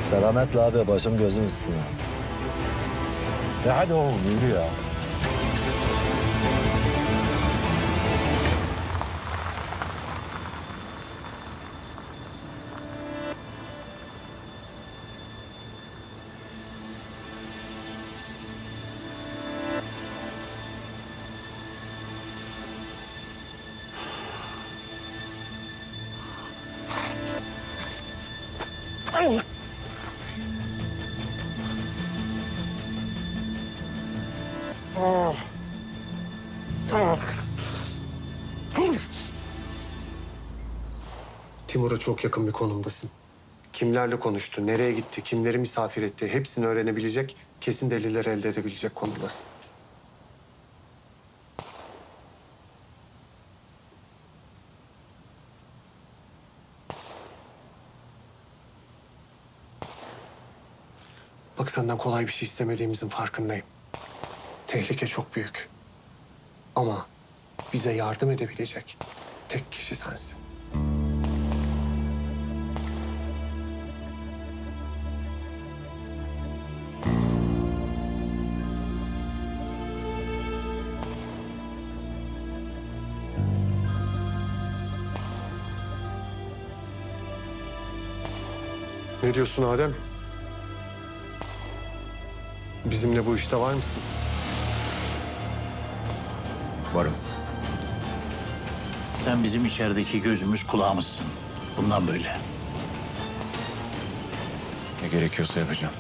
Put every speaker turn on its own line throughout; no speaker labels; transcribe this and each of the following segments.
Selametle abi, başım gözüm üstüne. Hadi oğlum, yürü ya.
Timur'a çok yakın bir konumdasın. Kimlerle konuştu, nereye gitti, kimleri misafir etti hepsini öğrenebilecek, kesin deliller elde edebilecek konumdasın. Bak senden kolay bir şey istemediğimizin farkındayım. Tehlike çok büyük. Ama bize yardım edebilecek tek kişi sensin. Ne diyorsun Adem? Bizimle bu işte var mısın?
Varım. Sen bizim içerideki gözümüz kulağımızsın. Bundan böyle.
Ne gerekiyorsa yapacağım.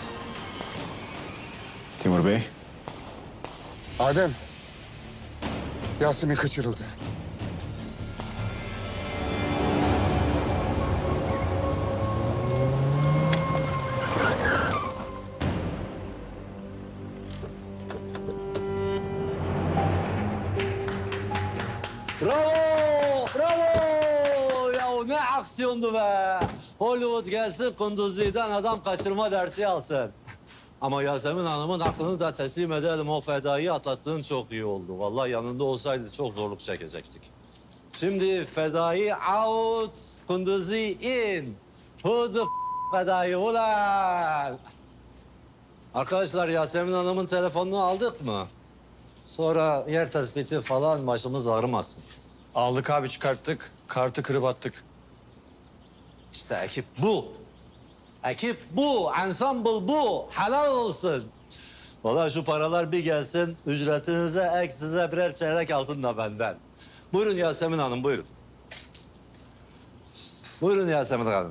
Timur Bey.
Adem, Yasemin kaçırıldı.
Bravo! Bravo! Ya ne aksiyondu be! Hollywood gelsin, Kunduzi'den adam kaçırma dersi alsın. Ama Yasemin Hanım'ın aklını da teslim edelim. O fedayı atlattığın çok iyi oldu. Vallahi yanında olsaydı çok zorluk çekecektik. Şimdi fedayı out, Kunduzi in. Who the fedayı ulan? Arkadaşlar, Yasemin Hanım'ın telefonunu aldık mı? Sonra yer tespiti falan başımız ağrımasın.
Aldık abi, çıkarttık. Kartı kırıp attık.
İşte ekip bu. Ekip bu, ensemble bu. Helal olsun. Vallahi şu paralar bir gelsin, ücretinize ek size birer çeyrek altın da benden. Buyurun Yasemin Hanım, buyurun. Buyurun Yasemin Hanım.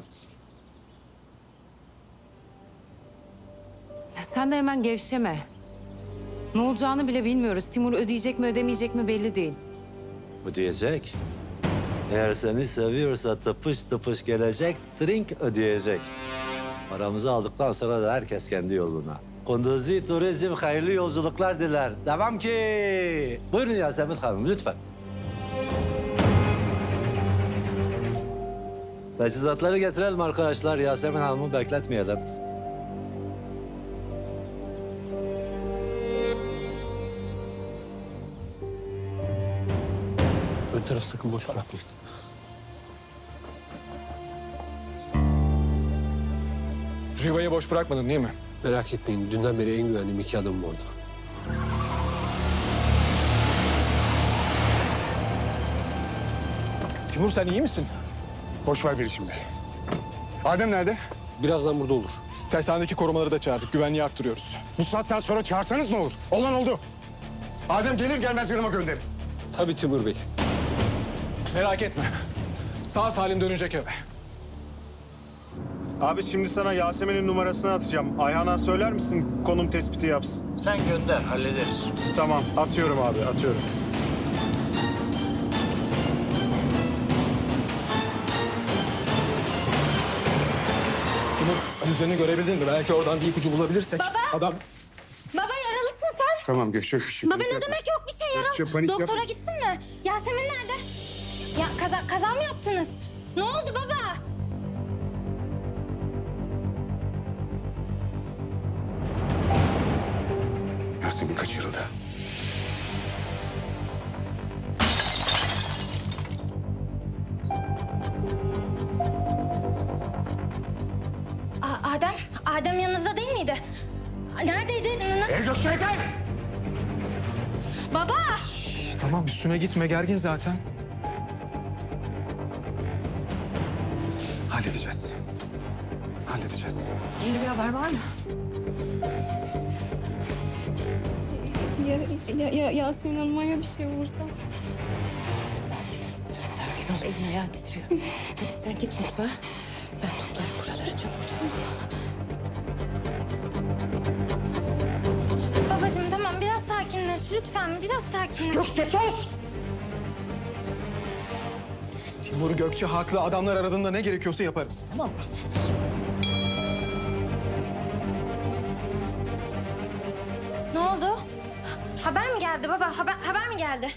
Ya sen de hemen gevşeme. Ne olacağını bile bilmiyoruz. Timur ödeyecek mi ödemeyecek mi belli değil.
Ödeyecek. Eğer seni seviyorsa tıpış tıpış gelecek, drink ödeyecek. Paramızı aldıktan sonra da herkes kendi yoluna. Kunduzi Turizm hayırlı yolculuklar diler. Devam ki. Buyurun Yasemin Hanım, lütfen. Teçhizatları getirelim arkadaşlar. Yasemin Hanım'ı bekletmeyelim.
Ön taraf sakın boş bırakmayın.
Riva'yı boş bırakmadın değil mi?
Merak etmeyin. Dünden beri en güvendiğim iki adamım orada.
Timur sen iyi misin? Boş ver beni şimdi. Adem nerede?
Birazdan burada olur.
Tersanedeki korumaları da çağırdık. Güvenliği arttırıyoruz. Bu saatten sonra çağırsanız ne olur? Olan oldu. Adem gelir gelmez yanıma gönderin.
Tabii Timur Bey.
Merak etme. Sağ salim dönecek eve.
Abi şimdi sana Yasemin'in numarasını atacağım. Ayhan'a söyler misin konum tespiti yapsın?
Sen gönder, hallederiz.
Tamam, atıyorum abi, atıyorum.
Timur yüzlerini görebildin mi? Belki oradan bir ipucu bulabilirsek.
Baba!
Adam...
Baba yaralısın sen.
Tamam geçecek şimdi.
Baba ne demek yok bir şey
Gökçe, panik
yaralı. Doktora
yapma.
gittin mi? Yasemin nerede? Ya kaza mı yaptınız? Ne oldu baba?
Yasemin kaçırıldı.
Adem yanınızda değil miydi? Neredeydi?
Gökçek'ten!
Baba!
Tamam üstüne gitme, gergin zaten. Halledeceğiz. Halledeceğiz.
Yeni bir haber var mı?
Yasemin Hanım'a ya bir şey olursa?
Sakin ol, elin ayağın titriyor. Hadi sen git mutfağa. Ben toplarım buraları çabuk.
Babacığım tamam biraz sakinleş lütfen biraz sakinleş.
Gökçe sus! Timur Gökçe haklı. Adamlar aradığında ne gerekiyorsa yaparız. Tamam mı?
Ne oldu? Haber mi geldi baba? Haber mi geldi?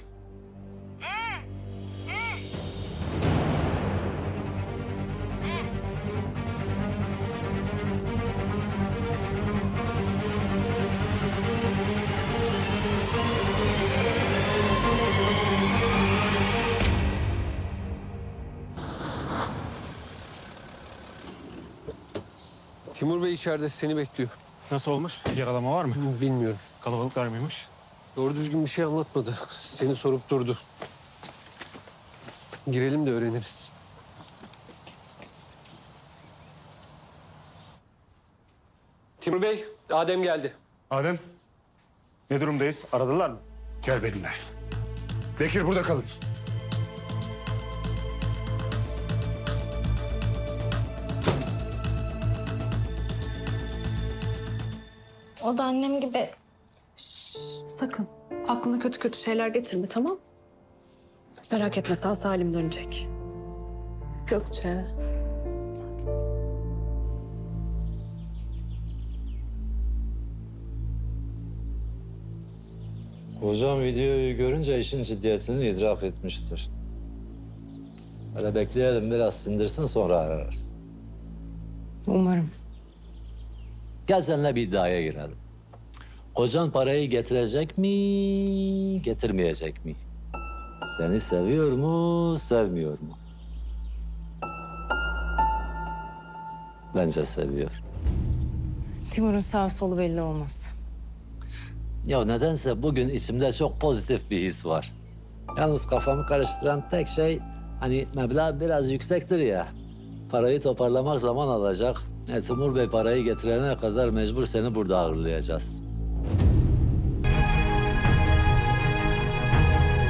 Timur Bey içeride seni bekliyor.
Nasıl olmuş? Yaralama var mı?
Bilmiyorum.
Kalabalıklar mıymış?
Doğru düzgün bir şey anlatmadı. Seni sorup durdu. Girelim de öğreniriz. Timur Bey, Adem geldi.
Adem,
Ne durumdayız? Aradılar mı?
gel benimle. Bekir burada kalın.
O da annem gibi.
Sakın. Aklına kötü kötü şeyler getirme, tamam? Merak etme, sağ salim dönecek. Gökçe.
Hocam videoyu görünce işin ciddiyetini idrak etmiştir. Hele bekleyelim biraz sindirsin sonra ararız.
Umarım.
Gel seninle bir iddiaya girelim. Kocan parayı getirecek mi, getirmeyecek mi? Seni seviyor mu, sevmiyor mu? Bence seviyor.
Timur'un sağ solu belli olmaz.
Ya nedense bugün içimde çok pozitif bir his var. Yalnız kafamı karıştıran tek şey hani meblağ biraz yüksektir ya. Parayı toparlamak zaman alacak. Timur Bey parayı getirene kadar mecbur seni burada ağırlayacağız.